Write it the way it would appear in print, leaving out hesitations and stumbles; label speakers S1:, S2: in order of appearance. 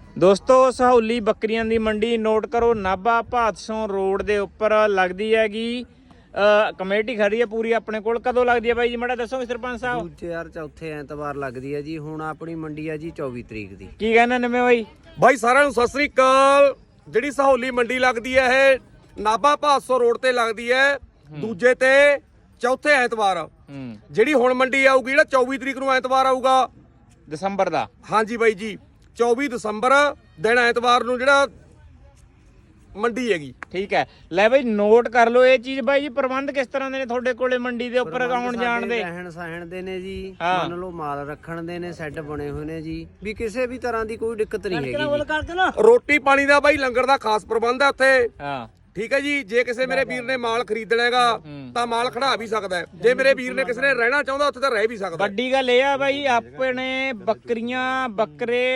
S1: ਦੋਸਤੋ ਸਹੌਲੀ ਬੱਕਰੀਆਂ ਦੀ ਮੰਡੀ ਨੋਟ ਕਰੋ, ਨਾਭਾ ਭਾਦਸੋਂ ਰੋਡ ਦੇ ਉੱਪਰ ਲੱਗਦੀ ਹੈਗੀ। ਕਮੇਟੀ ਖੜੀ ਹੈ ਪੂਰੀ ਆਪਣੇ ਕੋਲ। ਕਦੋਂ ਲੱਗਦੀ ਹੈ ਬਾਈ ਜੀ ਮਾੜਾ ਦੱਸੋਗੇ ਸਰਪੰਚ ਸਾਹਿਬ?
S2: ਦੂਜੇ ਯਾਰ ਚੌਥੇ ਐਤਵਾਰ ਲੱਗਦੀ ਹੈ ਜੀ। ਹੁਣ ਆਪਣੀ ਮੰਡੀ ਹੈ ਜੀ 24 ਤਰੀਕ ਦੀ।
S1: ਕੀ ਕਹਿੰਦੇ ਨਵੇਂ ਬਾਈ?
S3: ਬਾਈ ਸਾਰਿਆਂ ਨੂੰ ਸਤਿ ਸ੍ਰੀ ਅਕਾਲ। ਜਿਹੜੀ ਸਹੌਲੀ ਮੰਡੀ ਲੱਗਦੀ ਹੈ ਇਹ ਨਾਭਾ ਭਾਦਸੋਂ ਰੋਡ ਤੇ ਲੱਗਦੀ ਹੈ ਦੂਜੇ ਤੇ ਚੌਥੇ ਐਤਵਾਰ। ਜਿਹੜੀ ਹੁਣ ਮੰਡੀ ਆਊਗੀ ਜਿਹੜਾ 24 ਤਰੀਕ ਨੂੰ ਐਤਵਾਰ ਆਊਗਾ
S1: ਦਸੰਬਰ ਦਾ।
S3: ਹਾਂਜੀ ਬਾਈ ਜੀ 24 ਦਸੰਬਰ ਦਿਨ ਐਤਵਾਰ ਨੂੰ ਜਿਹੜਾ ਮੰਡੀ ਹੈਗੀ।
S1: ਠੀਕ ਹੈ, ਲੈ ਬਾਈ ਨੋਟ ਕਰ ਲਓ ਇਹ ਚੀਜ਼। ਬਾਈ ਜੀ ਪ੍ਰਬੰਧ ਕਿਸ ਤਰ੍ਹਾਂ ਦੇ ਨੇ ਤੁਹਾਡੇ ਕੋਲੇ ਮੰਡੀ ਦੇ ਉੱਪਰ ਆਉਣ ਜਾਣ ਦੇ?
S2: ਰਹਿਣ ਸਹਿਣ ਦੇ ਨੇ ਜੀ,
S1: ਹਾਂ।
S2: ਮੰਨ ਲਓ ਮਾਲ ਰੱਖਣ ਦੇ ਨੇ, ਸੈੱਟ ਬਣੇ ਹੋਏ ਨੇ ਜੀ, ਵੀ ਕਿਸੇ ਵੀ ਤਰ੍ਹਾਂ ਦੀ ਕੋਈ ਦਿੱਕਤ ਨਹੀਂ ਹੈਗੀ ਜੀ।
S3: ਰੋਟੀ ਪਾਣੀ ਦਾ ਬਾਈ ਲੰਗਰ ਦਾ ਖਾਸ ਪ੍ਰਬੰਧ ਹੈ ਉੱਥੇ।
S1: ਹਾਂ
S3: ਠੀਕ ਹੈ ਜੀ। ਜੇ ਕਿਸੇ ਮੇਰੇ ਵੀਰ ਨੇ ਮਾਲ ਖਰੀਦਣਾ ਹੈਗਾ ਤਾਂ ਮਾਲ ਖੜਾ ਵੀ ਸਕਦਾ ਹੈ। ਜੇ ਮੇਰੇ ਵੀਰ ਨੇ ਕਿਸੇ ਨੇ ਰਹਿਣਾ ਚਾਹੁੰਦਾ ਉੱਥੇ ਤਾਂ ਰਹਿ ਵੀ ਸਕਦਾ।
S1: ਵੱਡੀ ਗੱਲ ਇਹ ਆ ਬਾਈ ਆਪਣੇ ਬੱਕਰੀਆਂ ਬੱਕਰੇ